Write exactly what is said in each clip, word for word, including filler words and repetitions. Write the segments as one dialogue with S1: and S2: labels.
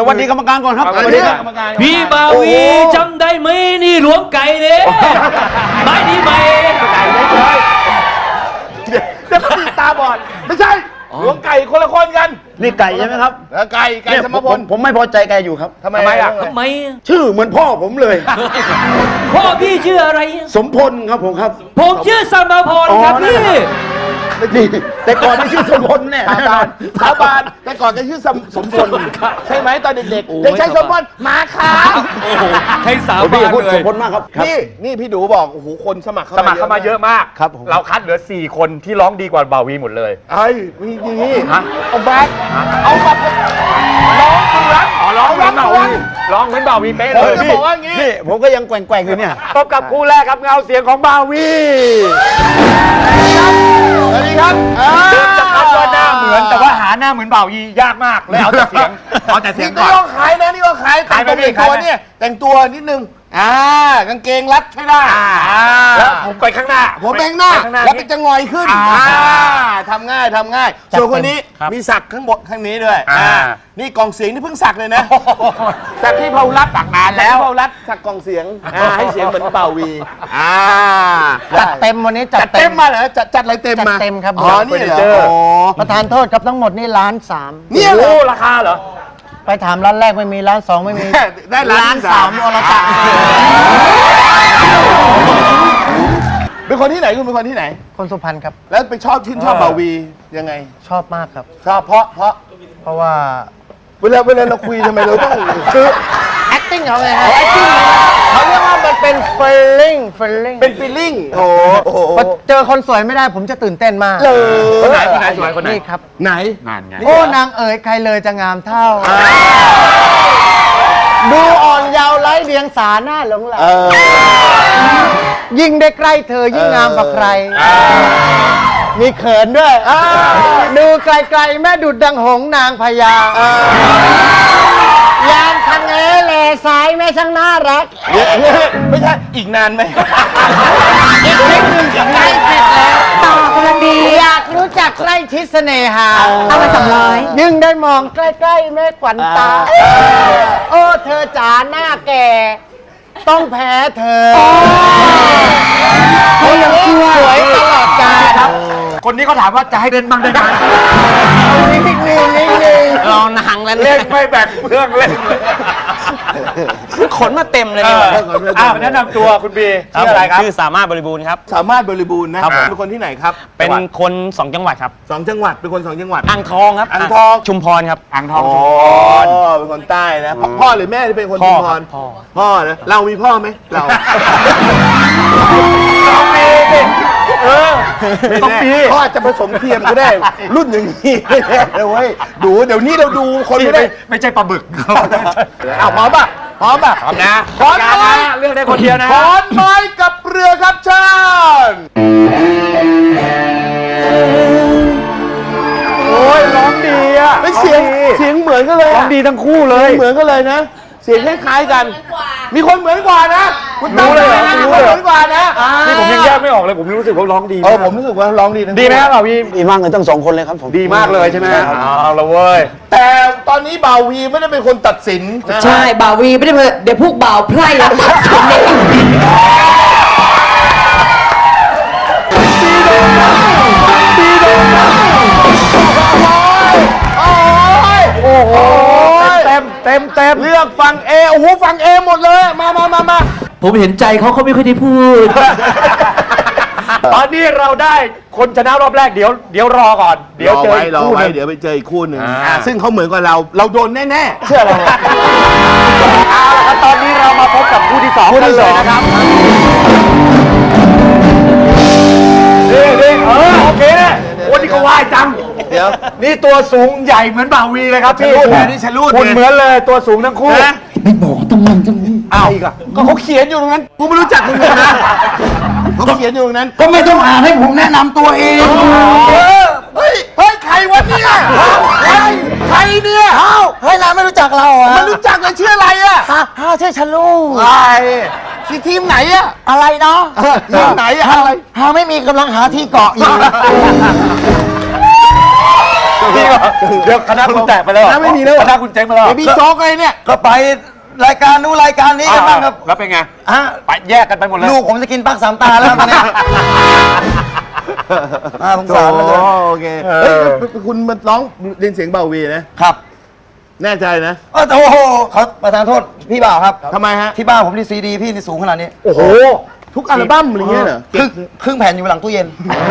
S1: วัสดีกรรมการก่อนครับสวัสดีกรรมการ
S2: พี่บาวีจำได้ไหมนี่หลวงไก่เนี่ยไม่ดีไหม
S3: ไก่เลยเลยเดี๋ยวพี่ตาบอดไม่ใช่หลวงไก่คนละคนกัน
S1: นี่ไก่ใช่ไหมครับ
S3: ไก่ไก่สมพล
S1: ผมไม่พอใจแกอยู่ครับ
S3: ทำไมอ่ะ
S2: ทำไม
S1: ชื่อเหมือนพ่อผมเลย
S2: พ่อพี่ชื่ออะไร
S1: สมพลครับผมครับ
S2: ผมชื่อสมพลครับพี่
S1: นี่แต่ก่อนไม่ชื่อสมพลเนี่ย
S3: สาบานสาบานแต่ก่อนจะชื่อสมพลใช่ไหมตอนเด็กๆเด็กชายสมพลมาขา
S2: ใช้สาบานเลย
S1: สมพลมากครับ
S3: นี่นี่พี่ดูบอกโอ้โหคนสมัคร
S4: สมัครเข้ามาเยอะมาก
S1: ครับ
S4: เราคัดเหลือสี่คนที่ร้องดีกว่าบ่าวีหมดเลย
S3: ไอ้มีดี
S4: ฮะ
S3: เอาแบกเอาแบบร้องเหมือน
S4: อ๋อร้องเหมือนบ่าวีร้องเหมือนบ่าวีเป๊ะเลย
S3: พี่บอกว่างี้
S1: นี่ผมก็ยังแกว่งๆอยู่เนี่ย
S4: พบกับคู่แรกครับเงาเสียงของบ่าวี
S3: สวัสดีครับ
S4: เดิมจะคัดว่าหน้าเหมือนแต่ว่าหาหน้าเหมือนบ่าวียากมากเลยเอาแต่เสียงเอาแต่เสียงก่อน
S3: นี่ก็ขายนะนี่ก็ขายแต่งตัวเนี่ยแต่งตัวนิดนึงอ่ากางเกงรัดใช่ได้
S4: แล้วผมไปข้างหน้า
S3: ผมไปข้างหน้าแล้วเป็นจะงอยขึ้นทำง่ายทำง่ายส่วนคนนี้มีสักข้างบนข้างนี้ด้วยนี่กองเสียงนี่เพิ่งสักเลยนะสักที่เผารัดสักนานแล้วเผารัดสักกองเสียงให้เสียงเหมือนเป่าวี
S5: จัดเต็มวันนี้
S3: จัดเต็มมาเหรอจัดจัดอะไรเต็มมา
S5: จัดเต็มครับ
S3: อ๋อนี่เหรอ
S5: ประธานโทษครับทั้งหมดนี่ล้านสาม
S3: นี่เหรอ
S4: ราคาเหรอ
S5: ไปถามร้านแรกไม่มีร้านสองไม่มี
S3: ได้ล้านสามอรจักรเป็นคนที่ไหนคุณเป็นคนที่ไห ไหน
S5: คนสุพรรณครับ
S3: แล้วไปชอบชื่นชอบบ่าวียังไง
S5: ชอบมากครับ
S3: ชอบเพราะเพราะ
S5: เพราะว่า
S3: เวลาเวลาเราคุยทำไมเราต้องคือ
S5: acting เขาไงฮะ acting เขาเรียกว่ามันเป็น feeling feeling
S3: เป็น feeling โอ้โห
S5: พอเจอคนสวยไม่ได้ผมจะตื่นเต้นมาก
S3: เลย
S4: คนไหนคนไหนสวยคนไหน
S5: นี่ครับ
S3: ไหน
S4: นานไง
S5: โอ้นางเอ๋ยใครเลยจะงามเท่าดูอ่อนเยาว์ไร้เดียงสาหน้าหลงไหลยิ่งได้ใกล้เธอยิ่งงามกว่าใครมีเขินด้วยดูไกลๆแม่ดุดดังหงนางพญายามทางเอเลสายแม่ช่างน่ารัก
S3: ไม่ใช่อีกนานไหม
S5: อีกนิดนึงใกล้เสร็จแล้วต่อกำลังดีอยากรู้จักใกล้ชิดเสน่หา
S6: เอามาสองร้อย
S5: ยิ่งได้มองใกล้ๆแม่ขวัญตาโอ้เธอจ๋าหน้าแก่ต้องแพ้เธอเขายังสวยตลอดกาลครับ
S4: คนนี้เขาถามว่าจะให้เดินบ้างได้ไหม
S5: นิ่งนิ่งนิ่ง
S2: ลองหนังแล้ว
S4: เล่นไม่แบ่งเพื่องเล่น
S2: ขนมาเต็มเลย
S4: อ้าวแนะนำตัวคุณบีชื่ออะไรครับ
S2: ชื่อสามารถบริบูรณ์ครับ
S3: สามารถบริบูรณ์นะครับเป็นคนที่ไหนครับ
S2: เป็นคนสองจังหวัดครับ
S3: สองจังหวัดเป็นคนสองจังหวัด
S2: อ่างทองครับ
S3: อ่างทอง
S2: ชุมพรครับ
S4: อ่างทองชุมพ
S3: รเป็นคนใต้นะพ่อหรือแม่ที่เป็นคนชุมพร
S2: พ่อ
S3: พ่อนะเรามีพ่อไหมเรา
S4: เรามีเออต้องมี
S3: พ่ออาจจะผสมเทียมก็ได้รุ่นอย่างนี้เลยเว้ยดูเดี๋ยวนี้เราดูคนไม่ได้
S4: ไม่ใช่ปลาบึก
S3: อ้าวพร้อมป่ะพร้อมป่ะ
S4: พร้อมนะ
S3: ขอนไม้
S4: เลือกได้คนเดียวนะ
S3: ขอนไม้กับเรือครับเชิญ
S4: โอ้ยร้องดีอ่ะ
S3: เป็นเสียงเสียงเหมือนกันเลย
S4: ร้องดีทั้งคู่เลย
S3: เหมือนกันเลยนะเสียงคล้ายๆกันมีคนเหมือนกว่านะคุณ
S4: รู้เลย
S3: รู้เลยเหมือนกว่านะ
S4: นี่ผมยังแยกไม่ออกเลยผมรู้สึกว่าร้องดี
S3: เออผมรู้สึกว่าร้องดี
S4: ดีไหมครับบ่าวี
S1: ดีมากเลยทั้งสองคนเลยครับผม
S4: ดีมากเลยใช่ไหมเอาละเว้ย
S3: แต่ตอนนี้บ่าววีไม่ได้เป็นคนตัดสิน
S6: ใช่บ่าววีไม่ได้เดี๋ยวพวกบ่าวไพร่แล้วตัดสินเอง
S3: โอ้โห
S4: เต็มเต็มเต็ม
S3: เลือกฟังเอโอ้โหฟังเอหมดเลยมามามามา
S2: ผมเห็นใจเขาเขาไม่ค่อยได้พูด
S4: ตอนนี้เราได้คนชนะรอบแรกเดี๋ยวเดี๋ยวรอก่อนเดี๋ยวเจออีกคู่นึง
S3: เดี๋ยวไปเจออีกคู่หนึ่งซึ่งเขาเหมือนกับเราเราโดนแน่ๆ
S4: เชื่อเราเอาละครับตอนนี้เรามาพบกับคู่ที่สองกันเลยนะครับนี่นี่เออโอเคโอ้นี่ก็ว่ายจัง
S3: เดี๋ยว
S4: นี่ตัวสูงใหญ่เหมือนบ่าวีเลยครับพี่
S3: นี่ฉันรู้
S4: คุณเหมือนเลยตัวสูงทั้งคู่
S6: ไม่บอกต้องมันจะ
S3: อ้าวก็เขาเขียนอยู่ตรงนั้นกูไม่รู้จักมึงเลยนะเขาเขียนอยู่ตรงนั้น
S5: ก็ไม่ต้องอ่านให้ผมแนะนำตัวเอง
S3: เฮ้ยเฮ้ยใครวะเนี่ยใครใครเนี่ย
S5: เฮ้าเฮ้ยนายไม่รู้จักเราอ่ะ
S3: ไม่รู้จักเลยชื่ออะไรอ่ะ
S5: ฮะชื่อชลู
S3: ใช่ที่ทีมไหนอ่ะ
S5: อะไรเนาะ
S3: ทีมไหนอะไร
S5: ฮาไม่มีกำลังหาที่เกาะอยู่
S4: จริงเหรอเดี๋ยวคณะคุณแตกไปแล้วเหรอ
S3: คณะไม่มีแล้วเหรอ
S4: คณะคุณเจ๊งไปแล้วเหรอ
S3: เบบี้โจ๊กอะไรเนี่ย
S1: ก็ไปรายการนู้นรายการนี้กันบ้างครับ
S4: แล้วเป็นไง
S1: ฮะ
S4: ไปแยกกันไปหมดเลย
S1: ลูกผมจะกินปักสามตาแล้วตอนเนี้ยน่าสงสารเหลย
S3: โอเคเฮ้ยคุณมันร้องเรียนเสียงเบาวีนะครับ แน่ใจนะ
S1: เออโอ้โหเขาประธานโทษพี่บ่าวครับ
S3: ทำไมฮะ
S1: ที่บ้านผมนี่ซีดีพี่นี่สูงขนาดนี้
S3: โอ้โห ทุกอัลบั้มอะไรเงี้ยเหรอ
S1: ครึ่งครึ่งแผ่นอยู่หลังตู้เย็น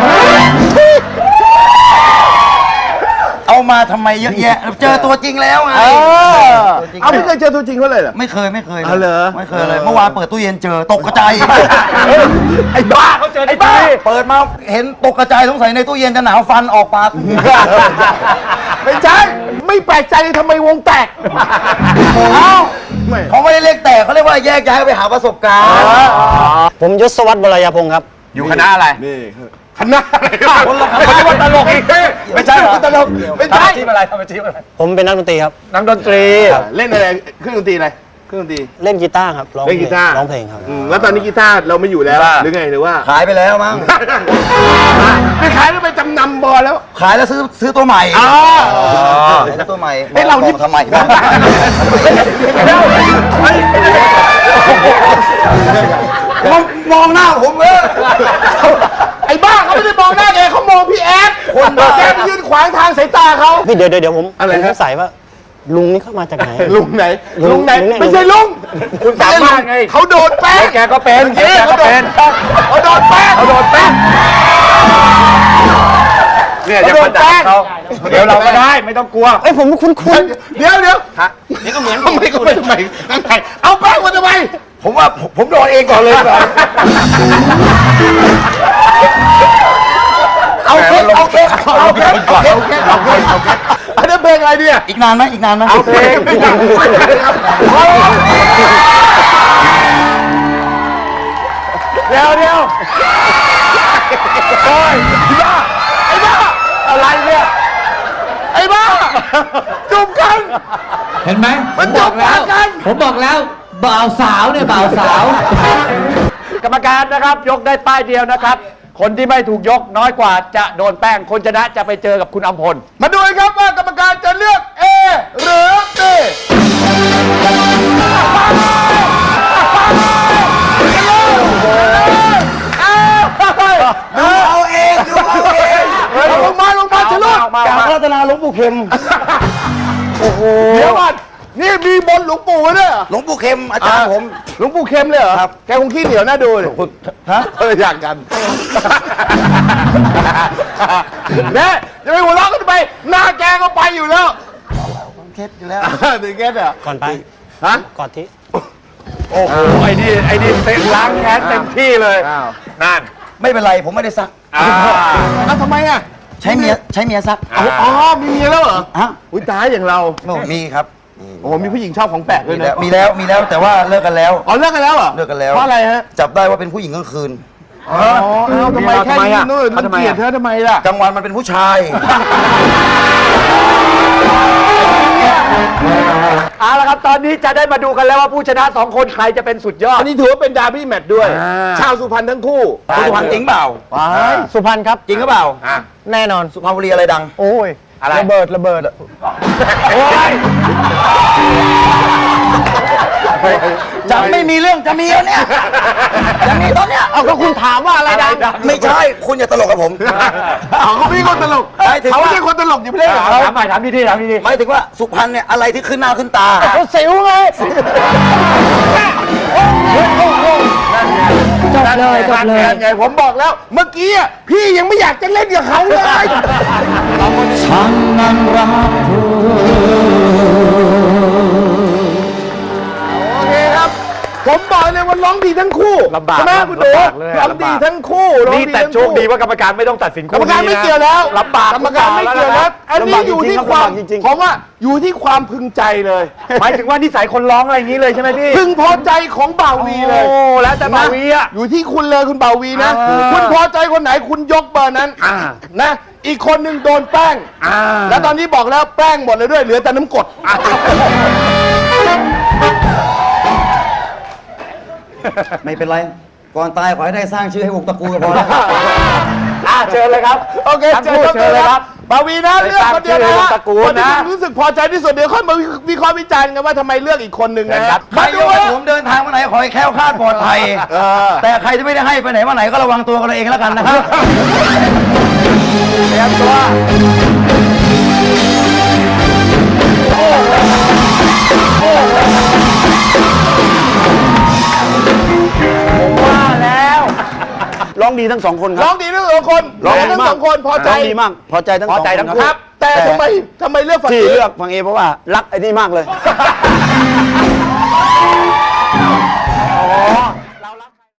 S1: เอามาทำไมเยอะแยะ เจอตัวจริงแล้วไง
S3: เออ
S1: ตัวจริง
S3: เอาไม่เคยเจอตัวจริงเขาเลยเหรอ
S1: ไม่เคยไม่เคยลย
S3: เอาเหรอ
S1: ไม่เคยเลย เมื่อวานเปิดตู้เย็นเจอตกกระจาย
S3: ไอ้บ้าเขาเจอไอ้บ้า
S1: เปิดมาเห็นตกกระจายสงสัยในตู้เย็นจะหนาวฟันออกปาก
S3: ไม่ใช่ ไม่แปลกใจทำไมวงแตก
S1: เอ้า
S3: ไม่
S1: เขาไม่ได้เรียกแตกเขาเรียกว่าแยกย้ายไปหาประสบการณ์ ผมยศวัฒน์วรยพงศ์ครับ
S4: อยู่คณะอะไร
S3: นี่คณะอะไร
S1: คนละคณะ
S3: ไม่ใช่ว่าตลกอีกไม่ใช่เหรอตลกไม่
S4: ทำ
S3: ใช่
S4: อาชีพอะไรทำอาชีพอะไร
S5: ผมเป็นนักดนตรีครับ
S4: นักดนตรี
S3: เล่นอะไรเครื่องดนตรีอะไรเครื่องดนตรี
S5: เล่นกีตาร์ครับร้อง
S3: เล่นกีตาร์
S5: ร้องเพลงครับ
S3: อืมแล้วตอนนี้กีตาร์เราไม่อยู่แล้วหรือไงหรือว่า
S1: ขายไปแล้วมั้ง
S3: ไปขายแล้วไปจำนำบอลแล้ว
S1: ขายแล้วซื้อซื้อตัวใหม่
S3: อ๋อ
S1: ขายแล้วตัวใหม่
S3: เฮ้ยเรานี่
S1: บอกทำไมครับมองมองหน้าผมเออ
S3: ไอ้บ้าเขาไม่ได้มองหน้าแกเขามองพี่แอด
S1: คนบ้า
S3: แกไปยืนขวางทางสายตาเขา
S5: พี่เดี๋ยวเดี๋ยวเดี๋ยวผม
S3: อะไร
S5: ผม
S3: ฮะ
S5: สงสัยว่า ลุงนี่เข้ามาจากไหน
S3: ลุงไหน
S5: ลุง
S3: ลุงไหน
S5: ลุงไหน
S3: ไม่ใช่ลุง
S4: คุณสามารถไง
S3: เขาโดนแป้ง
S4: แกก็เป็น
S3: เอ๊ะ
S4: แกก็เป็น
S3: เขาโดนแป้ง
S4: เขาโดนแป้งเนี่ยอย่ามาด่าเขาเดี๋ยวเราก็ได้ไม่ต้องกลัว
S5: เอ้ยผมคุ้นคุ้น
S3: เดี๋ยวเดี๋ยวนี่ก็เหมือนทำไมก็ไม่ทำไมเอาแป้งมาทำไม
S1: ผมว่าผมผมโดนเองก่อนเลยดีกว่า
S3: เอาเค้กเอาเค้กเอาเค้กเอาเค้กเอาเค้กเอาเค้กเอาเค้กอันนี้เพลงอะไรเนี่ย
S1: อีกนานไหมอีกนานไหม
S3: เอาเพลงเดี๋ยวเดี๋ยวโอ้ยไอ้บ้าไอ้บ้าอะไรเนี่ยไอ้บ้าจูบกัน
S2: เห็นไหม
S3: มันจบแล้วกัน
S2: ผมบอกแล้วบ่าวสาวเนี่ยบ่าวสาว
S4: กรรมการนะครับยกได้ป้ายเดียวนะครับ คนที่ไม่ถูกยกน้อยกว่าจะโดนแป้งคนชนะจะไปเจอกับคุณอำพล
S3: มาดูกันครับว่ากรรมการจะเลือก A หรือ B
S1: ดูเอาเองดูเอาเอง
S3: ลงมาลงมาชะลุด
S1: กราบรัตนาหลวงปู่เข็ม
S3: เดี๋ยวก่อนนี่มีบนหลวงปู่ด้วยเหรอ
S1: หลวงปู่เข็มอาจารย์ผม
S3: หลวงปู่เข็มเลยเหรอ
S1: ครับ
S3: แกคงขี้เหนียวน่าดูเลย
S1: ฮะ
S3: เอออยากกันเนี่ยจะไปหัวเราะกันทำไมหน้าแกก็ไปอยู่แล้ว
S1: เคสอยู่แล้ว
S3: ถึงแกเนี่ย
S5: ก่อนไป
S3: ฮะ
S5: กอดที่
S4: โอ้โหไอ้นี่ไอ้นี่เต็มล้างแค้นเต็มที่เลย
S3: อ้าว
S4: นั่น
S1: ไม่เป็นไรผมไม่ได้ซัก
S4: อ่า
S3: อ้าวทำไมอ่ะ
S1: ใช้เมียใช้เมียซัก
S3: อ๋ออ๋อมีเมียแล้วเหรอ
S1: ฮะ
S3: อุ้ยตายอย่างเรา
S1: โอ้มีครับ
S3: โอ้โหมีผู้หญิงชอบของแปลกด้
S1: มี
S3: วย
S1: แล้ว
S3: นะ
S1: มีแล้วมีแล้วแต่ว่าเลิกกันแล้ว
S3: อ๋อเลิกกันแล้วเหรอ
S1: เลิกกันแล้ว
S3: เพราะอะไรฮะ
S1: จับได้ว่าเป็นผู้หญิงกลางคืน
S3: อ๋อเอาทำไมแค่นี้นู่น
S4: เขาทำไม
S3: เกลียด
S4: อ่ะ
S3: เธอทำไมล่ะ
S1: กลางวันมันเป็นผู้ชาย
S4: เอาละครับตอนนี้จะได้มาดูกันแล้วว่าผู้ชนะสองคนใครจะเป็นสุดยอด
S3: อันนี้ถือว่าเป็นดาร์บี้แมตช์ด้วย
S4: อ่า
S3: ชาวสุพรรณทั้งคู่
S1: สุพรรณจริงเปล่า
S5: สุพรรณครับ
S1: จริงหรือเปล่า
S4: อ่ะ
S5: แน่นอน
S1: สุพรรณบุรีอะไรดัง
S5: โอ้ย
S4: อะไร
S5: ระเบิดระเบิด
S4: โอ้ย
S1: จะไม่มีเรื่องจะมีแล้วเนี่ยจะมีตอนเนี้ย
S5: เอาก็คุณถามว่าอะไรดัง
S1: ไม่ใช่คุณอย่าตลกกับผม
S3: อ๋อเขาพี่คนตลก
S1: หมายถึง
S3: เขา
S1: ว่า
S3: ไม่ใช่คนตลกอยู่ไม่ได้เหรอ
S4: ถามใหม่ถามดีๆถามดี
S1: หมายถึงว่าสุพรรณเนี่ยอะไรที่ขึ้นหน้าขึ้นตา
S5: เขาสิวไง
S6: จบเลยจบเลย
S3: นั่นไงผมบอกแล้ว เมื่อกี้อะพี่ยังไม่อยากจะเล่นกับเขาเลย
S5: ฉันนั้นรักเธอ
S3: โอเคครับ ผมบอกเลยว่าร้องดีทั้งคู่
S4: ลำบาก
S3: ใช่ไหมคุณดู
S4: ลำบากเลย
S3: ร้องดีทั้งคู่ร้อง
S4: นี่
S3: ดี
S4: แต่
S3: ทั้ง
S4: โชคดีว่ากรรมการไม่ต้องตัดสิน
S3: กรรมการไม่
S4: นะ
S3: เกี่ยวแล้ว
S4: ลำบาก
S3: กรรมการไม่เกี่ยวแล้วอันนี้อยู่ที่ความ
S5: ลำบากจริงๆ
S3: ผมว่าอยู่ที่ความพึงใจเลย
S4: หมายถึงว่านิสัยคนร้องอะไรอย่างนี้เลยใช่ไหมพี่
S3: พึงพอใจของบ่าววีเลย
S4: โอ้แล้วแต่บ่าวีอ่ะ
S3: อยู่ที่คุณเลยคุณบ่าววีนะ
S4: อ่า
S3: คุณพอใจคนไหนคุณยกเบอร์นั้น
S4: อ่า
S3: นะ อีกคนหนึ่งโดนแป้ง
S4: อ่า
S3: แล้วตอนนี้บอกแล้วแป้งหมดเลยด้วยเหลือแต่น้ำกรด
S1: ไม่เป็นไร ก่อนตายขอให้ได้สร้างชื่อให้วงตระกูลก็พอแล้ว
S4: อ่าเชิญเลยครับ
S3: โอเค
S4: ทั้งคู่
S3: เชิญครับ
S4: เชิญเลยครับ
S3: ปาวีนะเลือกคนเดียวนะ
S4: ไปตามชื่อตระกูลนะ
S3: คนที่รู้สึกพอใจที่สุดเดี๋ยวค่อยมาวิเคราะห์วิจารณ์กันว่าทำไมเลือกอีกคนหนึ่งนะ
S1: ใครยกให้ผมเดินทางมาไหนขอให้แคล้วคลาดปลอดภัย
S3: เออ
S1: แต่ใครที่ไม่ได้ให้ไปไหนมาไหนก็ระวังตัวกันเองแล้วกันนะครับ
S4: เตรียมตัวผมว่าแล้ว
S5: ร้องดีทั้งสองคนค
S3: ร้
S5: รั
S3: อบ งดีทั้งสองคน
S5: ร้องดี
S3: ทั้ง
S5: มาก
S3: สองคนพอใจ
S5: ร้องดีมากพอใจทั้งส
S4: พ
S5: อ
S4: อง ใจ
S5: คน
S4: ทั้ง
S5: ค
S4: คู่
S3: ครับ แต่ทำไมทำไมเลือกฝั่ง
S5: ที่
S3: นี้
S5: เลือกฟังเอเพราะว่ารักไอ้นี่มากเลย